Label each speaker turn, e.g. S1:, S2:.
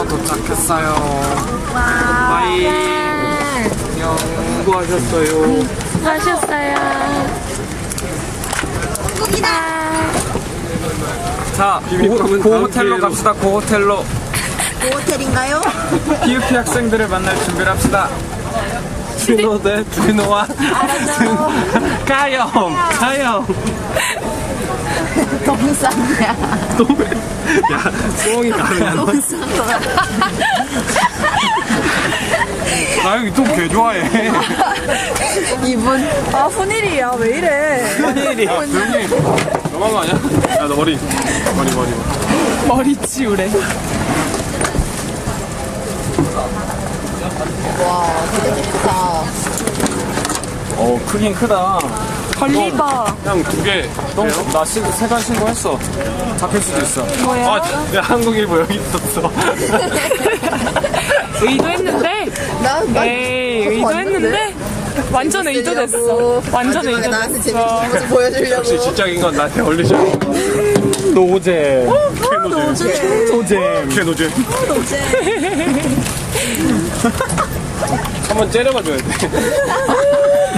S1: 도착했어요. 바이. 안녕. 수고하셨어요.
S2: 수고하셨어요.
S1: 자, 고호텔로 갑시다. 고호텔로.
S3: 호텔인가요?
S1: PUP 학생들을 만날 준비를 합시다. 준호 대 준호와 가영.
S3: 너무 싼이야.
S1: 야, 똥이 가면
S3: 너무 싼 거야.
S1: 나 여기 똥개 좋아해.
S3: 이분.
S2: 아, 훈일이야. 왜 이래?
S1: 큰일이야. 조용히. 너무한 거 아니야? 야, 너 머리.
S2: 머리 치우래.
S3: 와, 되게 좋다.
S1: 크긴 크다.
S2: 걸리버.
S1: 그냥 2개. 나 3간 신고했어. 잡힐 수도 있어.
S2: 뭐야?
S1: 아, 야, 한국일보 여기 있었어.
S2: 의도했는데?
S3: 나
S2: 에이, 의도했는데? 완전 의도됐어. 완전
S3: 마지막에 나한테 재밌는
S2: 의도됐어.
S3: 모습 보여주려고.
S1: 역시 지적인 건 나한테 어울리죠. 노잼.
S3: 노잼.
S1: 개노잼. 한번 째려봐 줘야 돼.